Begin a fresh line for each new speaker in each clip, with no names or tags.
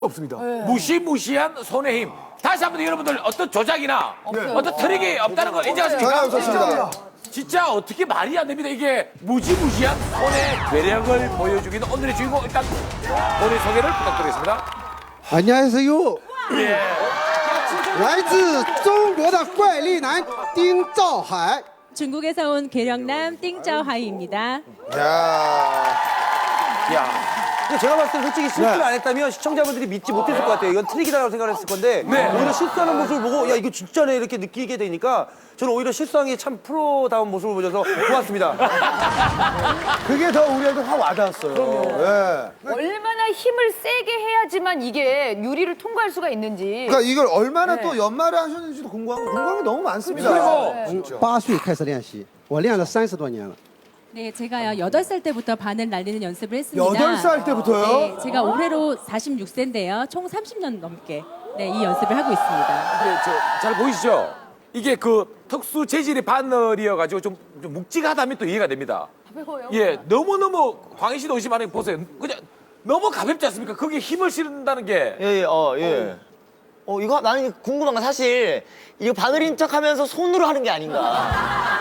없습니다.
무시무시한 손의 힘. 다시 한번 여러분들 어떤 조작이나 어떤 트릭이 없다는 걸
전혀
인정하십니까?
없었습니다.
진짜 어떻게 말이 안 됩니다. 이게 무지무시한 손의 괴력을 보여주기는 오늘의 주인공 일단 본인 소개를 부탁드리겠습니다.
안녕하세요. 来自中国的怪力男丁兆海。
중국에서 온 계령남 띵짜오하이입니다.
야.
근데 제가 봤을 때 솔직히 실수를 안 했다면 시청자분들이 믿지 못했을 것 같아요. 이건 트릭이라고 생각을 했을 건데 오히려 실수하는 모습을 보고 야 이거 진짜네 이렇게 느끼게 되니까 저는 오히려 실수한 게 참 프로다운 모습을 보여서 좋았습니다.
그게 더 우리한테 확 와닿았어요. 예.
얼마나 힘을 세게 해야지만 이게 유리를 통과할 수가 있는지.
그러니까 이걸 얼마나 또 연말에 하셨는지도 궁금한 게 너무 많습니다.
그리고
8岁开始练习，我练了30多年了。
네, 제가요 8살 때부터 바늘 날리는 연습을 했습니다.
8살 때부터요?
네, 제가 올해로 46세인데요. 총 30년 넘게 이 연습을 하고 있습니다.
이게 잘 보이시죠? 이게 그 특수 재질의 바늘이어가지고 좀 묵직하다면 또 이해가 됩니다.
가벼워요.
예, 너무너무 광희 씨도 의심하는 게 보세요. 그냥 너무 가볍지 않습니까? 거기에 힘을 실은다는 게.
예. 이거 나는 궁금한 건 사실 이거 바늘인 척 하면서 손으로 하는 게 아닌가.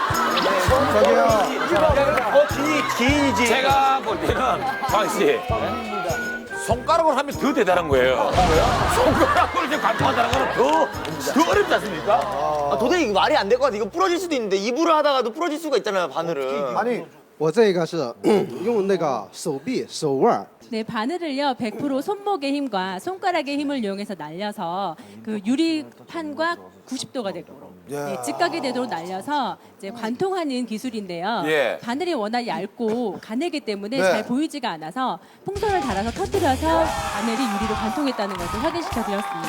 기인이지. 제가 볼 때는 광희 씨. 손가락으로 하면 더 대단한 거예요. 손가락으로 이제 관통한다는 거는 더 어렵지 않습니까?
도저히 이거 말이 안 될 것 같아. 이거 부러질 수도 있는데 입으로 하다가도 부러질 수가 있잖아요, 바늘은.
아니
我这个是用那个手臂、手腕。
네, 바늘을요 100% 손목의 힘과 손가락의 힘을 이용해서 날려서 그 유리판과 90도가 되도록 네, 직각이 되도록 날려서 이제 관통하는 기술인데요.
예.
바늘이 워낙 얇고 가늘기 때문에
네.
잘 보이지가 않아서 풍선을 달아서 터뜨려서 바늘이 유리로 관통했다는 것을 확인시켜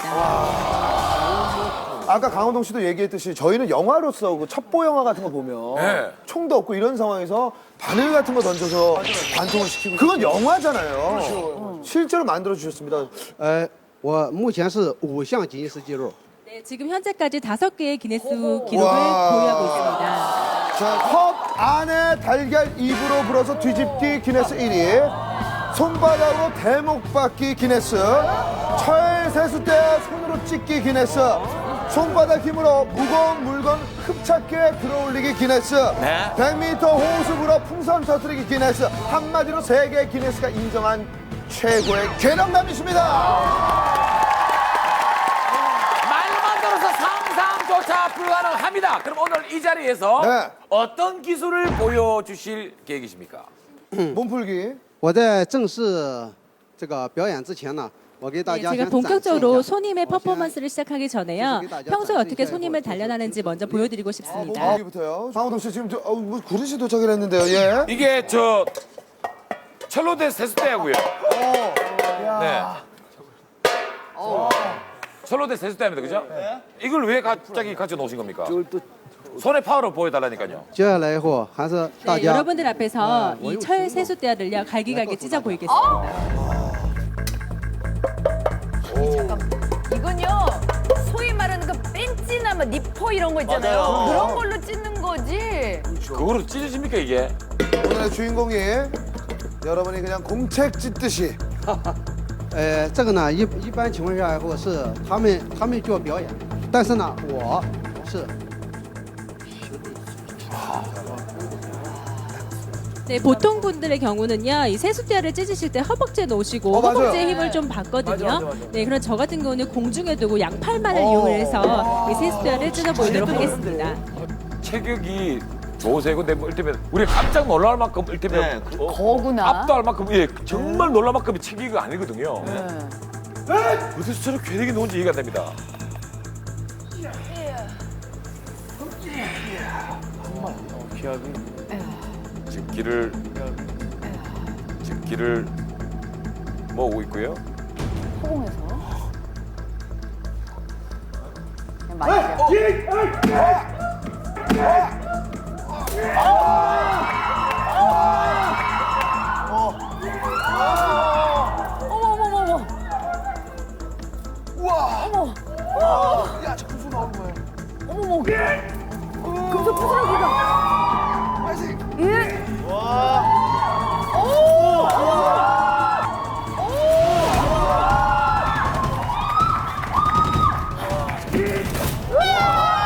드렸습니다.
아까 강호동 씨도 얘기했듯이 저희는 영화로서 그 첩보 영화 같은 거 보면
네.
총도 없고 이런 상황에서 바늘 같은 거 던져서 관통을 시키고 그건 영화잖아요. 실제로 만들어 주셨습니다.
我目前是5项吉尼斯纪录。
네, 지금 현재까지 5개의 기네스 기록을
와.
보유하고 있습니다.
자, 컵 안에 달걀 입으로 불어서 뒤집기 기네스 1위, 손바닥으로 대목 받기 기네스, 철 세숫대 손으로 찢기 기네스, 손바닥 힘으로 무거운 물건 흡착해 들어올리기 기네스,
네.
100m 호수부로 풍선 터뜨리기 기네스, 한마디로 세계 기네스가 인정한 최고의 괴력남이십니다.
말만 들어서 상상조차 불가능합니다. 그럼 오늘 이 자리에서
네.
어떤 기술을 보여주실 계획이십니까?
몸풀기.
我在正式这个表演之前呢，我给大
네,
家
제가
先展示一
본격적으로
下。
손님의 퍼포먼스를 시작하기 전에요. 평소에 어떻게 손님을 단련하는지 먼저 보여드리고 싶습니다.
몸풀기부터요. 강호동 씨 지금 뭐 그릇이 도착을 했는데요. 예.
이게 철로대 세숫대하고요. 네. 철로대 세숫대입니다, 그죠? 이걸 왜 갑자기 가져 놓으신 겁니까? 손의 파워를 보여달라니까요.
接下来以后还是大
네,
家
여러분들 앞에서 이 철 세숫대야를요 갈기갈기 찢어 보이겠습니다.
이건요 소위 말하는 그 벤치나 뭐 니퍼 이런 거 있잖아요.
맞아요.
그런 걸로 찢는 거지.
그거로 찢어집니까, 이게?
오늘의 주인공이 여러분이 그냥 공책 찢듯이
这个呢一般情况下以后是他们做表演，但是呢我是
네, 보통 분들의 경우는요 이 세숫대야를 찢으실 때 허벅지에 놓으시고
맞아요.
허벅지에 힘을 좀 받거든요. 네, 그럼 저 같은 경우는 공중에 두고 양팔만을 이용해서 이 세숫대야를 찢어 보이도록 하겠습니다.
체격이 좋으세요. 근데 뭐 일테면 우리 깜짝 놀랄 만큼 일테면
거구나.
압도할 만큼 정말 놀랄 만큼의 체격이 아니거든요. 어디서 저런 괴력이 나온지 이해가 안 됩니다. 지금 길을 모으고 있고요.
허공에서. 그냥 맞죠. 어머.
우와.
어머.
야, 저 금속 나오는 거예요.
어머머. 금속 부스러기가.
아직
예.